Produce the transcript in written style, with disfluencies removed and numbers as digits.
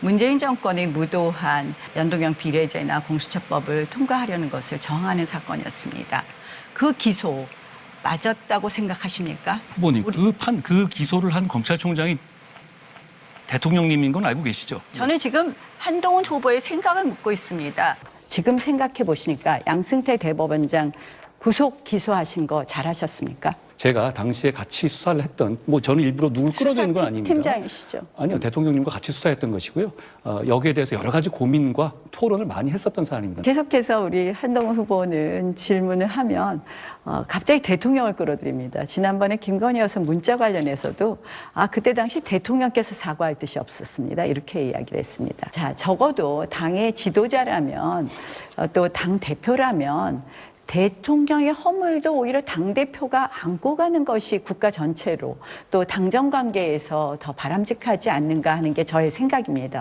문재인 정권의 무도한 연동형 비례제나 공수처법을 통과하려는 것을 저항하는 사건이었습니다. 그 기소 맞았다고 생각하십니까? 후보님, 그 기소를 한 검찰총장이 대통령님인 건 알고 계시죠? 저는 지금 한동훈 후보의 생각을 묻고 있습니다. 지금 생각해 보시니까 양승태 대법원장 구속 기소하신 거 잘하셨습니까? 제가 당시에 같이 수사를 했던, 저는 일부러 누굴 끌어내는 건 아닙니다. 팀장이시죠. 아니요, 대통령님과 같이 수사했던 것이고요. 여기에 대해서 여러 가지 고민과 토론을 많이 했었던 사안입니다. 계속해서 우리 한동훈 후보는 질문을 하면 갑자기 대통령을 끌어들입니다. 지난번에 김건희 여사 문자 관련해서도 그때 당시 대통령께서 사과할 뜻이 없었습니다. 이렇게 이야기를 했습니다. 자, 적어도 당의 지도자라면 또 당 대표라면 대통령의 허물도 오히려 당대표가 안고 가는 것이 국가 전체로 또 당정 관계에서 더 바람직하지 않는가 하는 게 저의 생각입니다.